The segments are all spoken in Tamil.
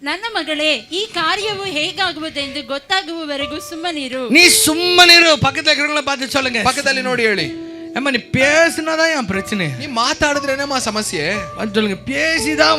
ನನ್ನ ಮಗಳೇ, ಈ ಕಾರ್ಯವು ಹೇಗಾಗುವುದೆಂದು ಗೊತ್ತಾಗುವವರೆಗೂ ಸುಮ್ಮನಿರು. நீ சும்மனிரு. பக்கத்துல இருக்கிறவங்கள பார்த்து சொல்லுங்க. பக்கத்துல நோடி ಹೇಳಿ, ஏம்மா நீ பேசினாதான் என் பிரச்சனை. நீ மாத்தாடுறேனேமா ಸಮಸ್ಯೆ சொல்லுங்க. பேசிதான்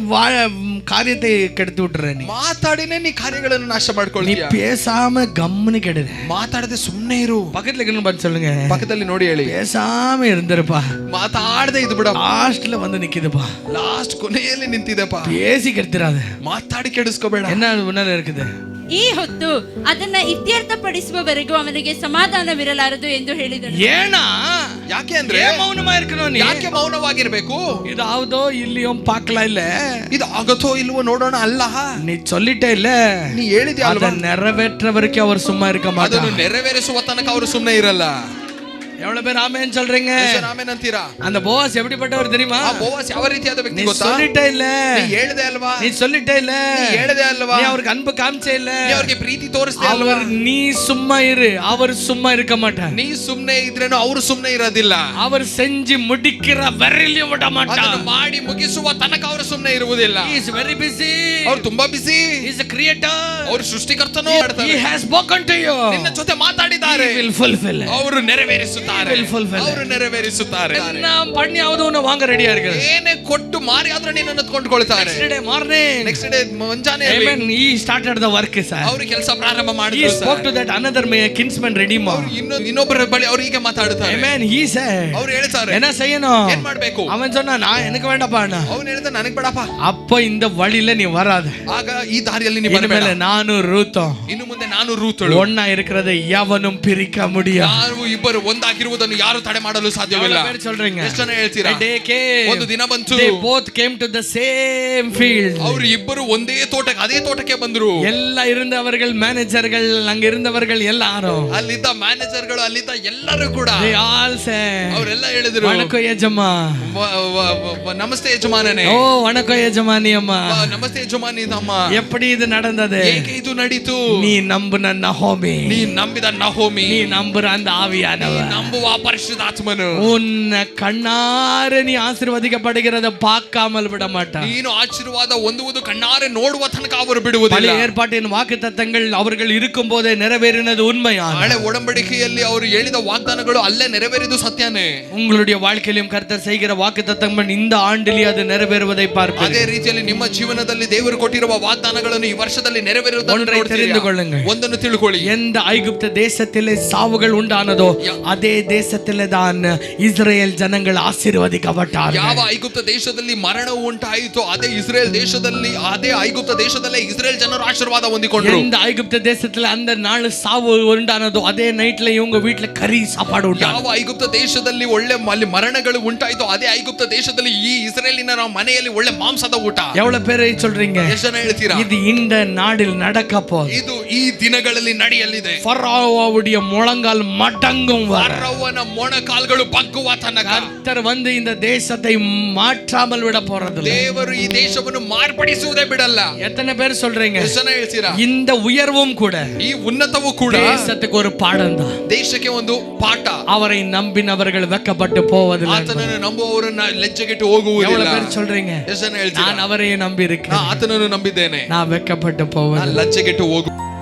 காரியத்தை கெடுத்து விட்டுற. நீ ಮಾತಾಡಿನೇ ನೀ ಕಾರ್ಯಗಳನ್ನು ನಾಶ நீ ಮಾಡ್ಕೊಳ್ತೀಯ. பேசாம கம்முன்னு கெடுற. ಮಾತಾಡದೆ ಸುಮ್ಮನೆ ಇರು. பக்கத்துல இருக்கிறவங்க பார்த்து சொல்லுங்க. ಪಕ್ಕದಲ್ಲಿ ನೋಡಿ ಹೇಳಿ, பேசாம இருந்திருப்பா. ಮಾತಾಡದೆ ಇದು ಬಿಡ. லாஸ்ட்ல வந்து நிக்குதுப்பா. ಲಾಸ್ಟ್ ಕೊನೆಯಲ್ಲಿ ನಿಂತಿದೆಪ್ಪ. பேசி கெடுத்துறாத. ಮಾತಾಡಿ ಕೆಡಿಸ್ಕೋಬೇಡ. என்ன முன்னால இருக்குது? ಈ ಹೊತ್ತು ಅದನ್ನ ಇತ್ಯರ್ಥಪಡಿಸುವವರೆಗೂ ಅವನಿಗೆ ಸಮಾಧಾನವಿರಲಾರದು ಎಂದು ಹೇಳಿದನು. ஏனா ಯಾಕೆ ಅಂದ್ರೆ ಮೌನமா இருக்கணும். ನೀ ಯಾಕೆ ಮೌನವಾಗಿರ್ಬೇಕು? இது ஆவுதோ இல்லையோ பார்க்கலாம். இல்ல ಇದು ಆಗತ್ತೋ ಇಲ್ವೋ ನೋಡೋಣ ಅಲ್ಲ. நீ சொல்லிட்டே இல்ல, ನೀ ಹೇಳಿದ್ಯಾ ಅಲ್ವಾ? அதை நிறைவேற்ற வரைக்கும் அவர் சும்மா இருக்க மாட்டார். ಅದನ್ನು ನೆರವೇರಿಸುವ ತನಕ ಅವರು ಸುಮ್ಮನೆ ಇರಲ್ಲ. எவ்வளவு பேர் ஆமென் சொல்றீங்க? ಆಮೆನ್ ಅಂತೀರಾ? அந்த போவாஸ் எப்படிப்பட்டவர் தெரியுமா? ಆ ಬೋವಾಸ್ ಯಾವ ರೀತಿಯಾದ ವ್ಯಕ್ತಿ ಗೊತ್ತಾ? நீ சொல்லிட்டே இல்ல, ನೀ ಹೇಳಿದೆ ಅಲ್ವಾ? நீ சொல்லிட்டே இல்ல, ನೀ ಹೇಳಿದೆ ಅಲ್ವಾ? நீ அவருக்கு அன்பு காமிச்சே இல்ல, ನೀ ಅವರಿಗೆ ಪ್ರೀತಿ ತೋರಿಸ್ದೆ ಅಲ್ವಾ? நீ சும்மா இரு, அவர் சும்மா இருக்க மாட்டார். ನೀ ಸುಮ್ಮನೆ ಇದ್ರೇನು ಅವರು ಸುಮ್ಮನೆ ಇರೋದಿಲ್ಲ. அவர் செஞ்சு முடிக்கிற வரையிலும் விட மாட்டார். ಅದನ್ನು ಮಾಡಿ ಮುಗಿಸುವ ತನಕ ಅವರು ಸುಮ್ಮನೆ ಇರುವುದಿಲ್ಲ. He is very busy. ಅವರು ತುಂಬಾ ಬಿಸಿ. He is a creator. ಅವರು ಸೃಷ್ಟಿಕರ್ತನು. He has spoken to you. ನಿನ್ನ ಜೊತೆ ಮಾತಾಡಿದ್ದಾರೆ. He will fulfill. ಅವರು ನೆರವೇರಿಸುತ್ತಾರೆ. He will fulfill. ಅವರು ನೆರವೇರಿಸುತ್ತಾರೆ. நாம் பண்ணி ಆದವನು வாங்க ரெடியா இருக்கு. ಏನೇ ಕೊಟ್ಟು ಮಾರಿ ಆದ್ರೆ ನಿನ್ನನ್ನು ಕೊಂಡ್ಕೊಳ್ತಾರೆ. Next day morning, next day ಮುಂಜಾನೆ amen, he started the work sir. ಅವರು ಕೆಲಸ ಪ್ರಾರಂಭ He ಮಾಡಿದ್ರು. spoke to that another kinsman redeemer. ಇನ್ನೊಬ್ಬರ ಬಳಿ ಅವರು ಹೀಗೆ ಮಾತಾಡುತ್ತಾರೆ. Amen, he said, ಅವರು ಹೇಳ್ತಾರೆ, என்ன செய்யணும்? ಏನ್ ಮಾಡ್ಬೇಕು? அவன் சொன்னா நான் எனக்கு வேண்டாப்பா. ಅವನು ಹೇಳಿದ ನನಗೆ ಬೇಡಪ್ಪ. அப்ப இந்த வழியில நீ வராத. ಆಗ ಈ ದಾರಿಯಲ್ಲಿ ನೀ ಬರಬೇಡ. இனிமேல் நானும் ரூத்தும் ಇನ್ನು ಮುಂದೆ ನಾನು ರೂತಳು ஒண்ணா இருக்கிறதை எவனும் பிரிக்க முடியாது. ಯಾರು ಇಬ್ಬರು ಒಂದಾಗಿರುವುದನ್ನು ಯಾರು ತಡೆ ಮಾಡಲು ಸಾಧ್ಯವಿಲ್ಲ. சொல்றீங்க? ಎಷ್ಟು ಜನ ಹೇಳ್ತೀರಾ? ಒಂದು ದಿನ ಬಂತು. They both came to the same field. ಅವರು ಇಬ್ಬರು ಒಂದೇ ತೋಟಕ್ಕೆ ಅದೇ ತೋಟಕ್ಕೆ ಬಂದರು. ಎಲ್ಲ இருந்தவர்கள் மேனேஜர்கள் அங்க இருந்தவர்கள் எல்லாரும் ಅಲ್ಲಿದ್ದ ಮ್ಯಾನೇಜರ್ಗಳು ಅಲ್ಲಿದ್ದ ಎಲ್ಲರೂ ಕೂಡ they all said, ಅವರೆಲ್ಲ ಹೇಳಿದ್ರು, வணக்கம் ಯಜಮಾ. ನಮಸ್ತೆ ಯಜಮಾನನೇ. ஓ வணக்கம் ಯಜಮಾನಿ ಅಮ್ಮ. ನಮಸ್ತೆ ಯಜಮಾನಿ ಅಮ್ಮ. எப்படி இது நடந்தது? ಹೇಗೆ ಇದು ನಡೀತು? நீ நம்பின நஹோமி, ನೀ ನಂಬಿದ ನಹೋಮಿ, நீ நம்புற அந்த ஆவியானவர், ನಂಬುವ ಪರಿಶುದ್ಧಾತ್ಮನು உன்னை கண்ணார நீ ஆசீர்வதிக்கப்படுகிறத பார்க்காமல் விட மாட்டார். ನೀನು ಆಶೀರ್ವಾದ ಹೊಂದುವುದು ಕಣ್ಣಾರೆ ನೋಡುವ ತನಕ ಅವರು ಬಿಡುವುದಿಲ್ಲ. பழைய ஏற்பாட்டின் வாக்குத்தத்தங்கள் அவர்கள் இருக்கும் போதே நிறைவேறினது உண்மையான. ಹಳೆ ಒಡಂಬಡಿಕೆಯಲ್ಲಿ ಅವರು ಹೇಳಿದ ವಾಗ್ದಾನಗಳು ಅಲ್ಲೇ ನೆರವೇರಿದು ಸತ್ಯನೇ. உங்களுடைய வாழ்க்கையிலும் கர்த்தர் செய்கிற வாக்குத்தத்தங்கள் இந்த ஆண்டிலே அது நிறைவேறுவதை பார்ப்பீர்கள். ಅದೇ ರೀತಿಯಲ್ಲಿ ನಿಮ್ಮ ಜೀವನದಲ್ಲಿ ದೇವರು ಕೊಟ್ಟಿರುವ ವಾಗ್ದಾನಗಳನ್ನು ಈ ವರ್ಷದಲ್ಲಿ ನೆರವೇರುವುದನ್ನು தெரிந்து கொள்ளுங்கள். ಒಂದನ್ನು ತಿಳ್ಕೊಳ್ಳಿ, எந்த ஐகுப்த தேசத்திலே சாவுகள் உண்டானதோ அதே தேசத்திலே தான் இஸ்ரேல் ஜனங்கள் ஆசீர்வதிக்கப்பட்டார்கள். ಯಾವ ಐಗುಪ್ತ ದೇಶದಲ್ಲಿ ಮರಣವು ಉಂಟಾಯಿತು ಅದೇ ಇಸ್ರೇಲ್ ದೇಶದಲ್ಲಿ ಅದೇ ಐಗುಪ್ತ ದೇಶದಲ್ಲೇ ಇಸ್ರೇಲ್ ಜನರು ಆಶೀರ್ವಾದ ಹೊಂದಿಕೊಂಡರು. எந்த ஐகுப்த தேசத்துல அந்த நாள் சாவு உண்டானதோ அதே நைட்ல இவங்க வீட்ல கறி சாப்பாடு உண்டானது. ಯಾವ ಐಗುಪ್ತ ದೇಶದಲ್ಲಿ ಒಳ್ಳೆ ಮರಣಗಳು ಉಂಟಾಯಿತು ಅದೇ ಐಗುಪ್ತ ದೇಶದಲ್ಲಿ ಈ ಇಸ್ರೇಲಿನ ಮನೆಯಲ್ಲಿ ಒಳ್ಳೆ ಮಾಂಸದ ಊಟ. எவ்வளவு பேரை சொல்றீங்க? ಎಷ್ಟು ಜನ ಹೇಳ್ತೀರಾ? இது இந்த நாடில் நடக்க போகுது. ಇದು ಈ ದಿನಗಳಲ್ಲಿ ನಡೆಯಲಿದೆ. ಫರೋವவுடைய முழங்கால் மடங்கும் வரை, ಫರೋವನ ಮೊಣಕಾಲ್ಗಳು ಬಗ್ಗುವ ತನಕ கர்த்தர் வந்து இந்த தேசத்தை மாற்றாமல் விட போறதில்லை. ದೇವರು ಈ ದೇಶವನ್ನು ಮಾರ್ಪಡಿಸುವುದೇ ಬಿಡಲ್ಲ. எத்தனை பேர் சொல்றீங்க? ಎಷ್ಟು ಜನ ಹೇಳ್ತೀರಾ? இந்த உயர்வும் கூட, ಈ ಉನ್ನತವೂ ಕೂಡ தேசத்துக்கு ஒரு பாடம் தான். ದೇಶಕ್ಕೆ ಒಂದು ಪಾಠ. அவரை நம்பினவர்கள் வெட்கப்பட்டு போவதில்லை. ಆತನನ್ನು ನಂಬುವವರನ್ನ ಲಜ್ಜೆಗೆಟ್ಟು ಹೋಗುವುದಿಲ್ಲ. எவ்வளவு பேர் சொல்றீங்க? ಎಷ್ಟು ಜನ ಹೇಳ್ತೀರಾ? நான் அவரையே நம்பி இருக்கேன், ಆತನನ್ನು ನಂಬಿದ್ದೇನೆ, நான் வெட்கப்பட்டு போவேன். ಲಜ್ಜೆಗೆಟ್ಟು ಹೋಗು.